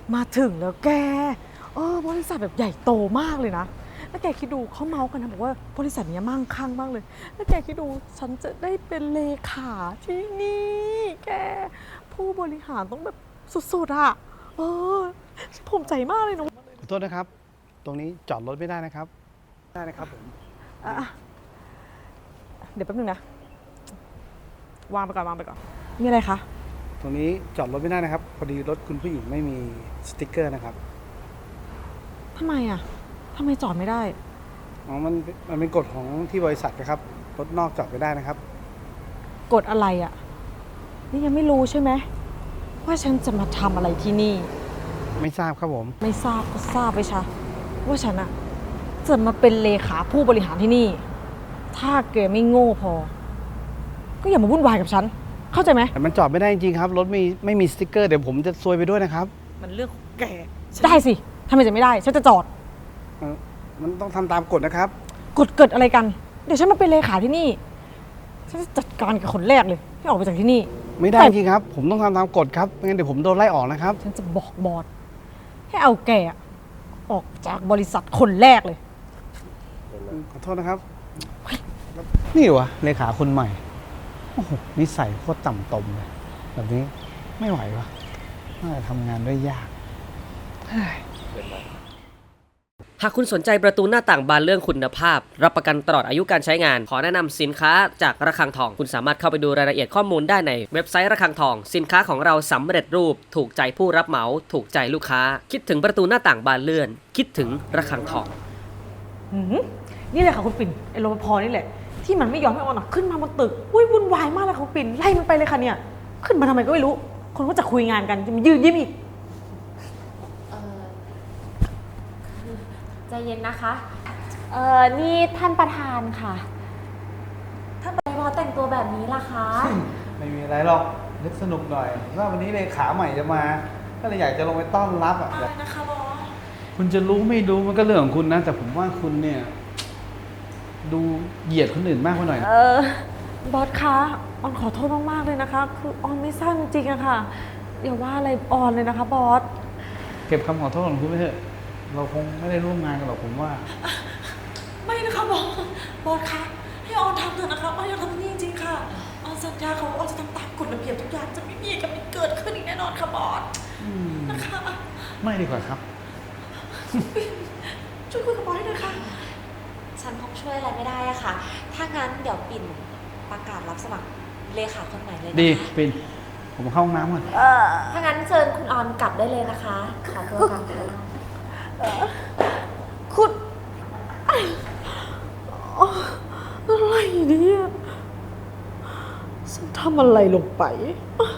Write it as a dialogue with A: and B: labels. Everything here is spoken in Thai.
A: มาถึงแล้วแกบริษัทแบบใหญ่โตมากเลยนะแล้วแกคิดดูเขาเมาส์กันนะบอกว่าบริษัทนี้มั่งคั่งมากเลยแล้วแกคิดดูฉันจะได้เป็นเลขาที่นี่แกผู้บริหารต้องแบบสุดๆอ่ะฉันภูมิใจมากเลยนะ
B: ขอโทษนะครับตรงนี้จอดรถไม่ได้นะครับได้นะครับผม
A: เดี๋ยวแป๊บนึงนะวางไปก่อนมีอะไรคะ
B: ตรงนี้จอดรถไม่ได้นะครับพอดีรถคุณผู้หญิงไม่มีสติ๊กเกอร์นะครับ
A: ทำไมจอดไม่ได้
B: อ๋อมันเป็นกฎของที่บริษัทนะครับรถนอกจอดไม่ได้นะครับ
A: กฎอะไรอ่ะนี่ยังไม่รู้ใช่ไหมว่าฉันจะมาทำอะไรที่นี่
B: ไม่ทราบครับผม
A: ไม่ทราบก็ทราบไปชะว่าฉันอะจะมาเป็นเลขาผู้บริหารที่นี่ถ้าแกไม่โง่พอก็อย่ามาวุ่นวายกับฉันเข้าใจไหม
B: แต่มันจอดไม่ได้จริงๆครับรถไม่มีสติ๊กเกอร์เดี๋ยวผมจะซวยไปด้วยนะครับ
A: มันเรื่องของแกได้สิทำไมจะไม่ได้ฉันจะจอด
B: มันต้องทำตามกฎนะครับ
A: กฎเกิดอะไรกันเดี๋ยวฉันมาเป็นเลขาที่นี่ฉันจะจัดการกับคนแรกเลยที่ออกไปจากที่นี่
B: ไม่ได้จริงครับผมต้องทำตามกฎครับไม่งั้นเดี๋ยวผมโดนไล่ออกนะครับ
A: ฉันจะบอกบอสให้เอาแกออกจากบริษัทคนแรกเลย
B: ขอโทษนะครับนี่วะเลขาคนใหม่โอ้โหนิสัยโคตรต่ำตมเลยแบบนี้ไม่ไหววะน่าจะทำงานด้วยยาก
C: หากคุณสนใจประตูหน้าต่างบานเลื่อนคุณภาพรับประกันตลอดอายุการใช้งานขอแนะนำสินค้าจากระฆังทองคุณสามารถเข้าไปดูรายละเอียดข้อมูลได้ในเว็บไซต์ระฆังทองสินค้าของเราสำเร็จรูปถูกใจผู้รับเหมาถูกใจลูกค้าคิดถึงประตูหน้าต่างบานเลื่อนคิดถึงระฆังทอง
A: นี่เลยค่ะคุณปิ่นไอ้รปภนี่แหละที่มันไม่ยอมให้ออนขึ้นมาบนตึกวุ่นวายมากเลยค่ะคุณปิ่นไล่มันไปเลยค่ะเนี่ยขึ้นมาทำไมก็ไม่รู้คนก็จะคุยงานกันจะมายืนยิ้มอีก
D: ใจเย็นนะคะนี่ท่านประธานค่ะท่านบอสแต่งตัวแบบนี้ล่ะคะ
B: ไม่มีอะไรหรอกนึกสนุกหน่อยว่าวันนี้เลขาใหม่จะมาก็เลยอยากจะลงไปต้อนรับอะไร
A: นะคะบอส
B: คุณจะรู้ไม่รู้มันก็เรื่องของคุณนะแต่ผมว่าคุณเนี่ยดูเหยียดคนอื่นมากไปหน่อย
A: บอสคะออนขอโทษมากๆเลยนะคะคือออนไม่ทราบจริงๆอะค่ะอย่าว่าอะไรออนเลยนะคะบอส
B: เก็บคำขอโทษของคุณไว้เถอะเราคงไม่ได้ร่วมงานกันหรอกผมว่า
A: ไม่นะคะบอสคะให้ออนทำเถอะนะคะออนอยากทำนี่จริงๆค่ะออนสัญญาเขาออนจะทำตามกฎระเบียบทุกอย่างจะไม่มีกับไม่เกิดขึ้นอีกแน่นอนค่ะบอสนะคะ
B: ไม่ดีกว่าครับ
A: ช่วยคุยกับบอสให้หน่อยค่ะ
D: ฉันคงช่วยอะไรไม่ได้อะค่ะถ้างั้นเดี๋ยวปิ่นประกาศรับสมัครเลขาคนใหม่เลยนะคะ
B: ดีปิ่นผมเข้าห้องน้ำก่อน
D: ถ้างั้นเชิญคุณออนกลับได้เลยนะคะขอตัวกลับค่ะ
A: คุณอะไรเนี่ยฉันทำอะไรลงไป